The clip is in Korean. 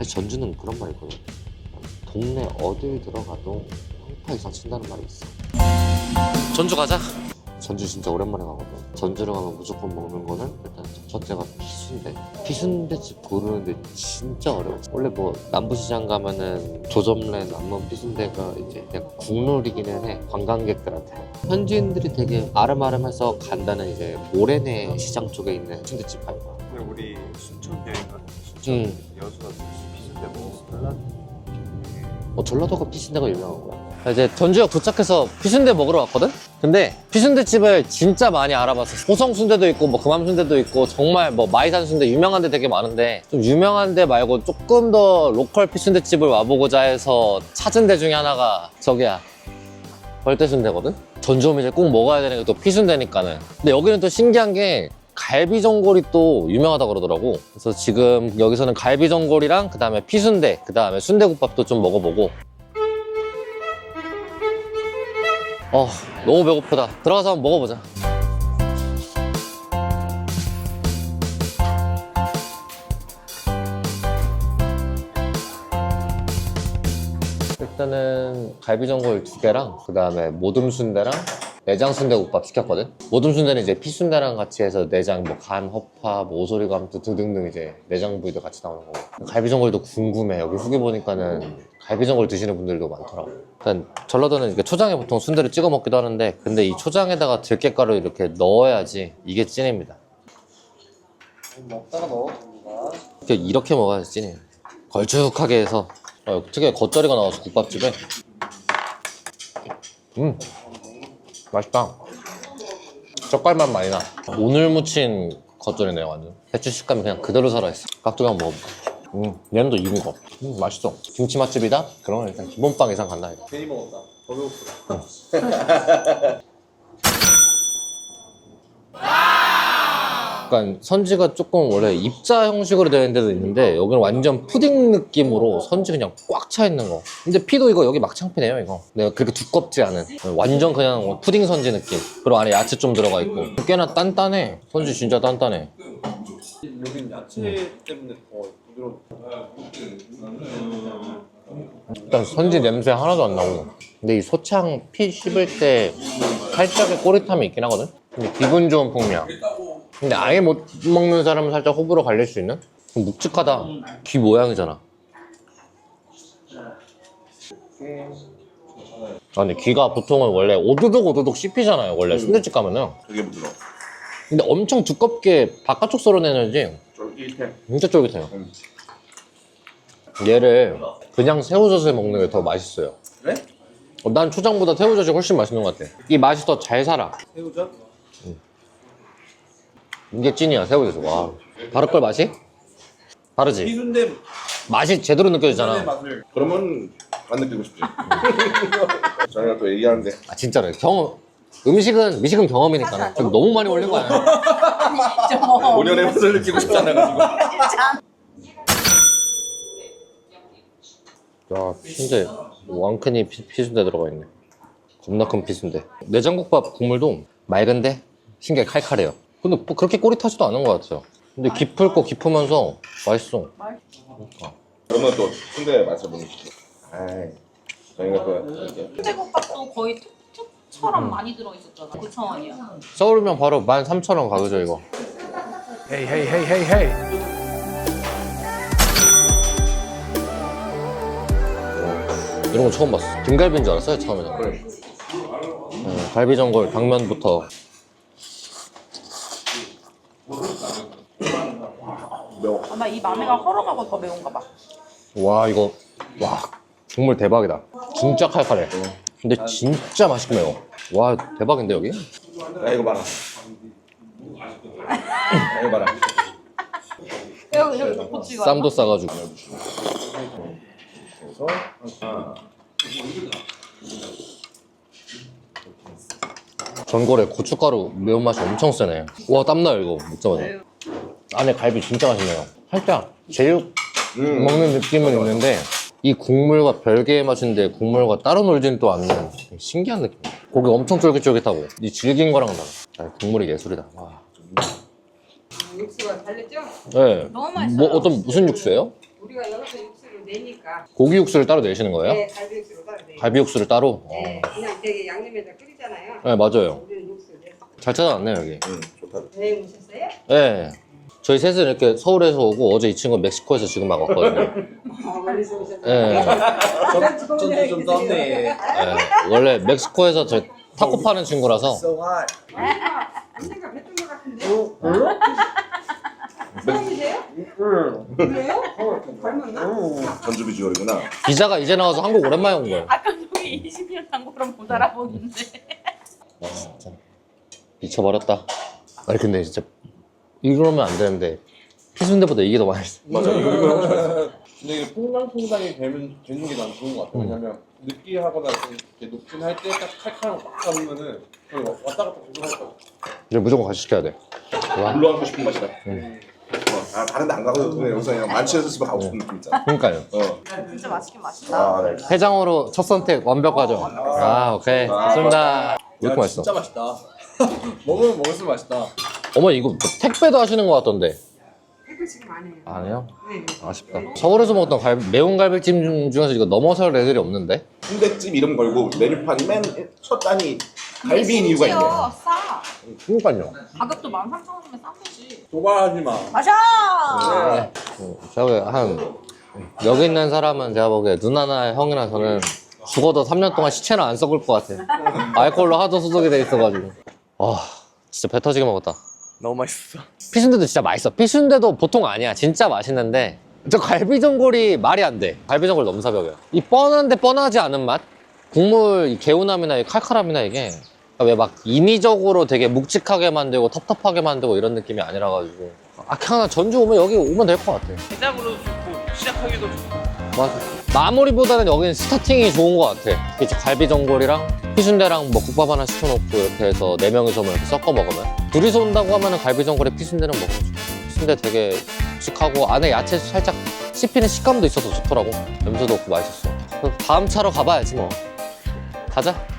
사실 전주는 그런 말이 있거든. 동네 어딜 들어가도 평파 이상 친다는 말이 있어. 전주 가자. 전주 진짜 오랜만에 가거든. 전주를 가면 무조건 먹는 거는 일단 첫 번째가 피순대. 피순대집 고르는데 진짜 어려워. 원래 뭐 남부시장 가면은 조점래 남문 피순대가 이제 약간 국룰이기는 해. 관광객들한테. 현지인들이 되게 아름아름해서 간다는 이제 모래내 시장 쪽에 있는 순대집 가요. 근데 우리 순천 여행 가는 순천 여수 가서 비순대 먹었어. 전라도가 피순대가 유명한 거야. 이제 전주역 도착해서 피순대 먹으러 왔거든? 근데 피순대집을 진짜 많이 알아봤어. 호성순대도 있고 뭐 금암순대도 있고 정말 뭐 마이산순대 유명한 데 되게 많은데 좀 유명한 데 말고 조금 더 로컬 피순대집을 와보고자 해서 찾은 데 중에 하나가 저기야, 벌떼순대거든? 전주 오면 이제 꼭 먹어야 되는 게 또 피순대니까는. 근데 여기는 또 신기한 게 갈비전골이 또 유명하다 그러더라고. 그래서 지금 여기서는 갈비전골이랑 그 다음에 피순대, 그 다음에 순대국밥도 좀 먹어보고. 너무 배고프다. 들어가서 한번 먹어보자. 일단은 갈비전골 2개랑 그 다음에 모듬순대랑 내장순대국밥 시켰거든? 모듬순대는 이제 피순대랑 같이 해서 내장, 뭐 간, 허파, 뭐 오소리감 등등등 이제 내장 부위도 같이 나오는 거고. 갈비전골도 궁금해. 여기 후기 보니까는 갈비전골 드시는 분들도 많더라고. 일단 전라도는 이렇게 초장에 보통 순대를 찍어 먹기도 하는데, 근데 이 초장에다가 들깨가루 이렇게 넣어야지 이게 찐입니다. 먹다가 넣어줍니다. 이렇게 먹어야지 찐이에요. 걸쭉하게 해서. 특유의 겉절이가 나와서 국밥집에. 맛있다. 젓갈맛 많이 나. 오늘 무친 겉절이네요, 완전. 배추 식감이 그냥 그대로 살아있어. 깍두기 한번 먹어볼까? 얘는 또 익은 거. 맛있어. 김치 맛집이다? 그러면 일단 기본빵 이상 간다, 이거. 괜히 먹었다. 더 배고프다. 약간 선지가 조금 원래 입자 형식으로 되는 데도 있는데 여기는 완전 푸딩 느낌으로 선지 그냥 꽉 차 있는 거. 근데 피도 이거 여기 막창피네요, 이거. 내가 그렇게 두껍지 않은 완전 그냥 푸딩 선지 느낌. 그리고 안에 야채 좀 들어가 있고 꽤나 단단해. 선지 진짜 단단해. 여긴 야채 때문에 더 부드러워. 일단 선지 냄새 하나도 안 나고. 근데 이 소창 피 씹을 때 살짝의 꼬릿함이 있긴 하거든. 근데 기분 좋은 풍미야. 근데 아예 못 먹는 사람은 살짝 호불호 갈릴 수 있는? 묵직하다. 귀 모양이잖아. 근데 귀가 보통은 원래 오도독 오도독 씹히잖아요, 원래 순대집 가면은. 되게 부드러워. 근데 엄청 두껍게 바깥쪽 썰어내는지 쫄깃해. 진짜 쫄깃해요. 얘를 그냥 새우젓에 먹는 게 더 맛있어요. 그래? 난 초장보다 새우젓이 훨씬 맛있는 것 같아. 이 맛이 더 잘 살아. 새우젓? 이게 찐이야, 새우젓. 와. 다를걸 맛이? 다르지? 피순대 맛이 제대로 느껴지잖아. 맛을. 그러면 안 느끼고 싶지. 저희가 또 얘기하는데. 아, 진짜로. 미식은 경험이니까. 좀 너무 많이 올린 거 아니야? 5년의 맛을 느끼고 싶지 않아가지고. 야, 피순대. 왕큰이 피순대 들어가 있네. 겁나 큰 피순대. 내장국밥 국물도 맑은데 신기하게 칼칼해요. 근데 뭐 그렇게 꼬릿하지도 않은 것 같아요. 근데 깊고 깊으면서 맛있어. 그러면 또 순대 맛을 보여줄게. 저희가 또 이렇게. 순대국밥도 거의 툭툭처럼 많이 들어있었잖아. 9,000원이야. 서울이면 바로 13,000원 가격이죠, 이거. Hey, hey, hey, hey, hey. 이런 거 처음 봤어. 김갈비인 줄 알았어요, 처음에는. 그래. 갈비전골, 당면부터. 매워. 아마 이 마늘가 헐어가고 더 매운가 봐. 와, 이거. 와, 국물 대박이다. 진짜 칼칼해. 근데 진짜 맛있게 매워. 와, 대박인데, 여기? 야 이거 봐라. 야 이거 봐라. 여기 고추가. 쌈도 싸가지고. 그래서 전골에 고춧가루 매운맛이 엄청 세네. 와, 땀나요, 이거. 먹자마자. 안에 갈비 진짜 맛있네요. 살짝 제육 먹는 느낌은 있는데 이 국물과 별개의 맛인데 국물과 따로 놀지는 또 않는 신기한 느낌. 고기 엄청 쫄깃쫄깃하고 이 질긴 거랑 달라. 국물이 예술이다. 와. 육수가 달랬죠? 네. 너무 맛있어요. 뭐 무슨 육수예요? 우리가 여기서 육수를 내니까. 고기 육수를 따로 내시는 거예요? 네, 갈비 육수로 따로 내요. 갈비 육수를 따로? 네, 그냥 되게 양념에다 끓이잖아요. 네, 맞아요. 우리는 육수 내서. 잘 찾아왔네요, 여기. 좋다. 네, 오셨어요? 네. 저희 셋은 이렇게 서울에서 오고 어제 이 친구 멕시코에서 지금 막 왔거든요. 아, 멀리서 오셨어요? 네. 전주 좀 떴네. 네. 원래 멕시코에서 저 타코 파는 친구라서 언젠가 뵀던 것 같은데? 사람이세요? 그래요? 닮았나? 전주 비주얼이구나. 비자가 이제 나와서 한국 오랜만에 온 거예요. 아까 저기 20년 한국으로 못 알아보는데. 와, 진짜 미쳐버렸다. 아니 근데 진짜 이러면 안 되는데 피순대보다 이게 더 맛있어. 맞아. 이거 근데 이게 퐁당퐁당이 되는 게 난 좋은 것 같아. 왜냐면 느끼하거나 이렇게 녹진 할 때 딱 칼칼한 거막 잡으면은 거의 왔다 갔다 계속 할 거야. 이제 무조건 같이 시켜야 돼. 와, 물러가고 싶은 맛이다. 아, 다른 데 안 가고 그냥 여기서 그냥 만취해서 집에 가고 싶은 느낌 있잖아. 그러니까요. 진짜 맛있긴 맛있다. 아, 네. 해장으로 첫 선택 완벽하죠. 아, 오케이. 좋습니다. 왜 이렇게 맛있어? 진짜 맛있다. 먹으면 먹을수록 맛있다. 어머 이거 뭐 택배도 하시는 것 같던데. 택배 지금 안 해요. 안 해요? 네. 아쉽다. 서울에서 먹던 매운 갈비찜 중에서 이거 넘어설 애들이 없는데? 순대집 이름 걸고 메뉴판이 맨 첫 단이 갈비인 이유가 있네. 싸. 그러니까요. 가격도 13,000원이면 싼 거지. 도발하지 마. 마셔! 제가 보기에 여기 있는 사람은 제가 보기에 누나나 형이나 저는 죽어도 3년 동안 시체는 안 썩을 것 같아. 알코올로 하도 소독이 돼 있어가지고. 진짜 배 터지게 먹었다. 너무 맛있어. 피순대도 진짜 맛있어. 피순대도 보통 아니야. 진짜 맛있는데 저 갈비전골이 말이 안 돼. 갈비전골 너무 사벽이야. 이 뻔한데 뻔하지 않은 맛? 국물 이 개운함이나 이 칼칼함이나 이게 왜 막 인위적으로 되게 묵직하게 만들고 텁텁하게 만들고 이런 느낌이 아니라가지고 그냥 전주 오면 여기 오면 될 것 같아. 대장으로도 좋고 시작하기도 좋고. 맞아. 마무리보다는 여기는 스타팅이 좋은 것 같아. 이제 갈비전골이랑 피순대랑 뭐 국밥 하나 시켜놓고 이렇게 해서 4명이서 이렇게 섞어 먹으면 둘이서 온다고 하면은 갈비전골에 피순대는 먹으면 좋아. 피순대 되게 묵직하고 안에 야채 살짝 씹히는 식감도 있어서 좋더라고. 냄새도 없고 맛있었어. 다음 차로 가봐야지 뭐. 가자.